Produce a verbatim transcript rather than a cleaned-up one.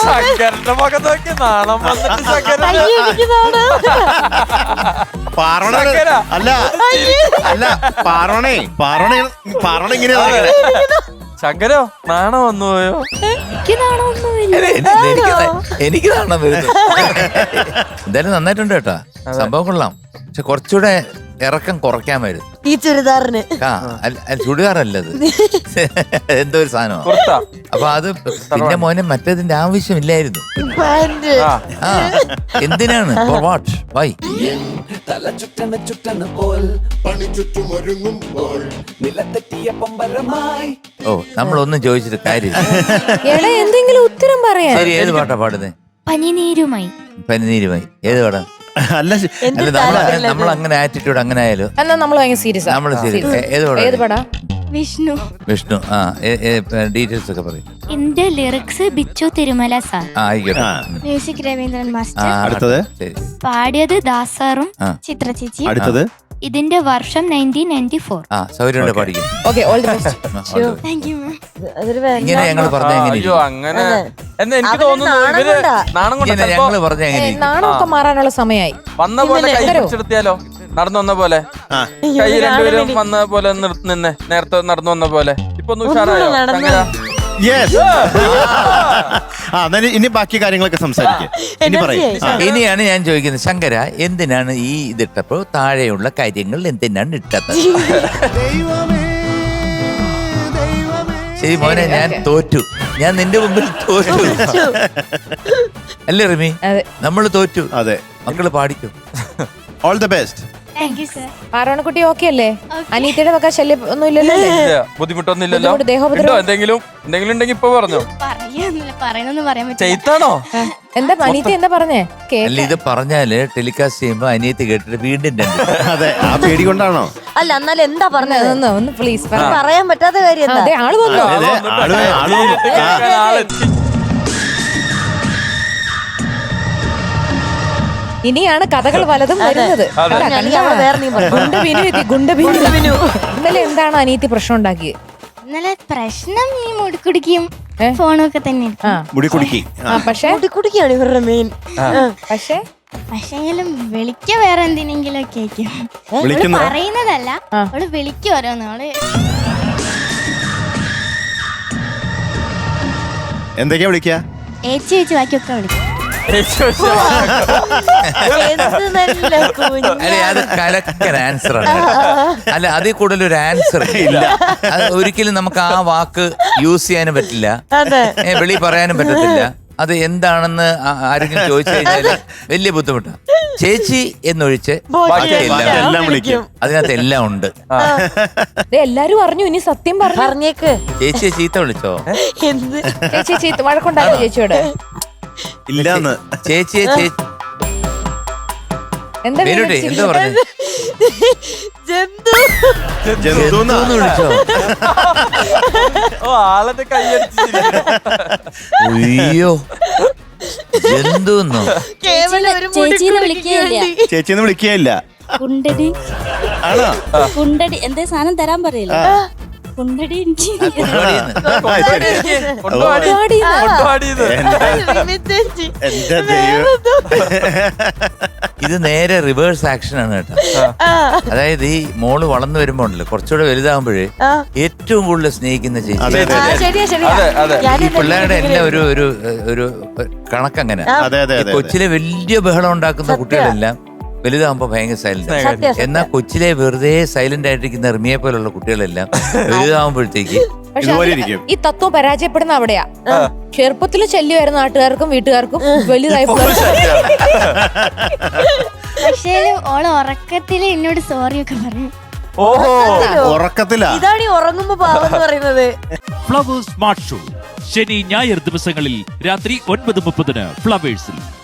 ശങ്കരന്റെ മുഖം നോക്കി നാണം വന്നിട്ട് ശങ്കരൻ പാർവണ അല്ല അല്ല പാർവണേ പാർവണ പാർവണ ഇങ്ങനെ ശങ്കരോ നാണം വന്നു പോയോ? എനിക്ക് നാണം വരുന്നു. എന്തായാലും നന്നായിട്ടുണ്ട് കേട്ടാ, സംഭവം കൊള്ളാം. പക്ഷെ കുറച്ചുകൂടെ ഇറക്കം കുറയ്ക്കാമായിരുന്നു ഈ ചുരിദാറിന്. ആ ചുടിദാറല്ലത്, എന്തോ ഒരു സാധനമാണ്. അപ്പൊ അത് പിന്നെ മോനെ മറ്റേതിന്റെ ആവശ്യമില്ലായിരുന്നു. ആ എന്തിനാണ്? For what? വൈ? തല ചുറ്റണ ചുറ്റണ പോൽ പണി ചുറ്റുമൊരുങ്ങുമ്പോൾ നിലത്തെറ്റിയ പമ്പരമായി. ഓ നമ്മളൊന്നും ചോദിച്ചിട്ട് കാര്യം. എന്തെങ്കിലും ഉത്തരം പറയാ. ശരി, ഏത് പാട്ടാ പാടുന്നേ? പനിനീരുമായി. പനിനീരുമായി ഏത് പാടാ? അല്ല നമ്മൾ അങ്ങനെ ആറ്റിറ്റ്യൂഡ് അങ്ങനെ ആയാലും എന്നാ നമ്മൾ ഭയങ്കര സീരിയസ്. നമ്മള് സീരിയസ്. ഏത് പാടാ? ഏത് പാടാ? വിഷ്ണു. വിഷ്ണു. ആ ഡീറ്റെയിൽസ് ഒക്കെ പറയും. എന്റെ ലിറിക്സ് ബിച്ചു തിരുമല സാർ. ആ ആയിക്കോട്ടെ. Music Raveendran master. അടുത്തത് പാടിയത് ദാസാറും ചിത്ര ചേച്ചി. അടുത്തത് ഇതിന്റെ വർഷം നയൻറ്റീൻ നയൻറ്റി ഫോർ. ആ സൗകര്യം പഠിക്കും. Okay, all the best. Thank you ma'am. ഇങ്ങനെ ഞങ്ങൾ പറഞ്ഞ അയ്യോ അങ്ങനെ എന്ന് എനിക്ക് തോന്നുന്നു. ഇവര് നാണം കൊണ്ട് ഞങ്ങള് പറഞ്ഞ എങ്ങനെ നാണമൊക്കെ മാറാനുള്ള സമയമായി. വന്ന പോലെ കൈ പിടിച്ചെടുത്തിയാലോ? നടന്നു വന്ന പോലെ കൈ രണ്ടുപേരും വന്ന പോലെ നിന്നെ നേരത്തെ നടന്നു വന്ന പോലെ. ഇപ്പൊ ഒന്ന് ഉഷാറായോ ശങ്കര? ഇനി ബാക്കി കാര്യങ്ങളൊക്കെ സംസാരിക്കാം. ഇനി പറയും. ഇനിയാണ് ഞാൻ ചോദിക്കുന്നത്, ശങ്കര എന്തിനാണ് ഈ ഇതിട്ടപ്പോ താഴെയുള്ള കാര്യങ്ങൾ എന്തിനാണ് ഇട്ടത്? ശരി മോനെ, ഞാൻ തോറ്റു. ഞാൻ നിന്റെ മുമ്പിൽ തോറ്റു. അല്ലേ റിമി? നമ്മള് തോറ്റു. അതെ, മക്കള് പാടിക്കും. All the best. Thank you sir. പാറവണക്കുട്ടി ഓക്കെ അല്ലേ? അനീറ്റയുടെ വക ശല്യം ഒന്നും ഇല്ലല്ലോ? ബുദ്ധിമുട്ടൊന്നും ഇല്ലല്ലോ? എന്തെങ്കിലും എന്തെങ്കിലും ഉണ്ടെങ്കിൽ ഇപ്പൊ പറഞ്ഞോ. പറയാന്നില്ല, പറയുന്നൊന്നും പറയാൻ പറ്റില്ല. ചെയ്താണോ? എന്താ അനീറ്റ എന്താ പറഞ്ഞേ? അല്ല ഇത് പറഞ്ഞാല് ടെലികാസ്റ്റ് ചെയ്യുമ്പോ അനിയത്തി കേട്ടിട്ട് വീണ്ടും രണ്ട്. അതെ, ആ പേടി കൊണ്ടാണോ? അല്ല എന്നാലും എന്താ പറഞ്ഞത്? ഒന്ന് ഒന്ന് പ്ലീസ് പറയാൻ പറ്റാത്ത കാര്യം. അതെ, ആള് വന്നോ? ഇനിയാണ് കഥകൾ വലതും വരുന്നത്. ഇന്നലെ എന്താണ് അനീതി പ്രശ്നം ഉണ്ടാക്കിയത്? ഇന്നലെ പ്രശ്നം ഈ മുടിക്കുടിക്കും ഫോണൊക്കെ തന്നെ. മുടി കുടുക്കി. പക്ഷെ മുടിക്കുടിക്കാണ് ഇവരുടെ മെയിൻ. പക്ഷെ പക്ഷെങ്കിലും വിളിക്ക വേറെ എന്തിനെങ്കിലും ഒക്കെ ആയിരിക്കും. പറയുന്നതല്ല, അവള് വിളിക്കും ഓരോന്ന്. അവള് എന്തൊക്കെയാ വിളിക്കാ? ഏച്ചി വെച്ച് ബാക്കിയൊക്കെ വിളിക്കും. അല്ലെ അത് കലക്കൻ ആൻസർ ആണ്. അല്ല അതിൽ കൂടുതൽ ഒരു ആൻസർ ഇല്ല. അത് ഒരിക്കലും നമുക്ക് ആ വാക്ക് യൂസ് ചെയ്യാനും പറ്റില്ല, വെളി പറയാനും പറ്റത്തില്ല. അത് എന്താണെന്ന് ആരെങ്കിലും ചോദിച്ചു കഴിഞ്ഞാൽ വലിയ ബുദ്ധിമുട്ടാണ്. ചേച്ചി എന്നൊഴിച്ച് എല്ലാം വിളിക്കും. അതിനകത്ത് എല്ലാം ഉണ്ട്. എല്ലാരും അറിഞ്ഞു. ഇനി സത്യം പറഞ്ഞേക്ക്. ചേച്ചിയെ ചീത്ത വിളിച്ചോ? ചേച്ചി ചീത്ത വഴക്കുണ്ടായോ ചേച്ചിയോട്? ഇല്ലാന്ന്. ചേച്ചിയെ ചേച്ചി എന്താ എന്താ പറഞ്ഞത്? ജന്തുന്ന് വിളിച്ചോ? ഓ ആളെന്റെ കൈയടിച്ച്. അയ്യോ ജന്തുന്നോ? ചേച്ചീനെ വിളിക്കുകയില്ല. ചേച്ചിന്ന് വിളിക്കുകയില്ല. കുണ്ടടി ആണോ? കുണ്ടടി എന്തേ സാധനം തരാൻ പറയില്ല. കുണ്ടടി ഇത് നേരെ റിവേഴ്സ് ആക്ഷൻ ആണ് കേട്ടോ. അതായത് ഈ മോള് വളർന്നു വരുമ്പോ ഉണ്ടല്ലോ, കുറച്ചുകൂടെ വലുതാകുമ്പോഴേ ഏറ്റവും കൂടുതൽ സ്നേഹിക്കുന്ന ചേച്ചി. ഈ പിള്ളേരുടെ എല്ലാം ഒരു ഒരു ഒരു കണക്കങ്ങനെ. കൊച്ചിലെ വലിയ ബഹളം ഉണ്ടാക്കുന്ന കുട്ടികളെല്ലാം വലുതാകുമ്പോ ഭയങ്കര സൈലന്റ്. എന്നാൽ കൊച്ചിലെ വെറുതെ സൈലന്റ് ആയിട്ടിരിക്കുന്ന റിമിയെ പോലുള്ള കുട്ടികളെല്ലാം വലുതാകുമ്പോഴത്തേക്ക് ഈ തത്വം പരാജയപ്പെടുന്ന അവിടെയാ. ചെറുപ്പത്തിൽ ശല്യമായിരുന്ന നാട്ടുകാർക്കും വീട്ടുകാർക്കും വലുതായപ്പോ പക്ഷേ ഓള് ഉറക്കത്തില് എന്നോട് സോറി ഒക്കെ പറയും. ഉറക്കത്തിലാ. ഇതാണ് ഈ ഉറങ്ങുമ്പോ പാവെന്ന് പറയുന്നത്. ഫ്ലവേഴ്സ് സ്മാർട്ട് ഷോ ശനി ഞായർ ദിവസങ്ങളിൽ രാത്രി ഒൻപത് മുപ്പതിന് ഫ്ലവേഴ്സിൽ.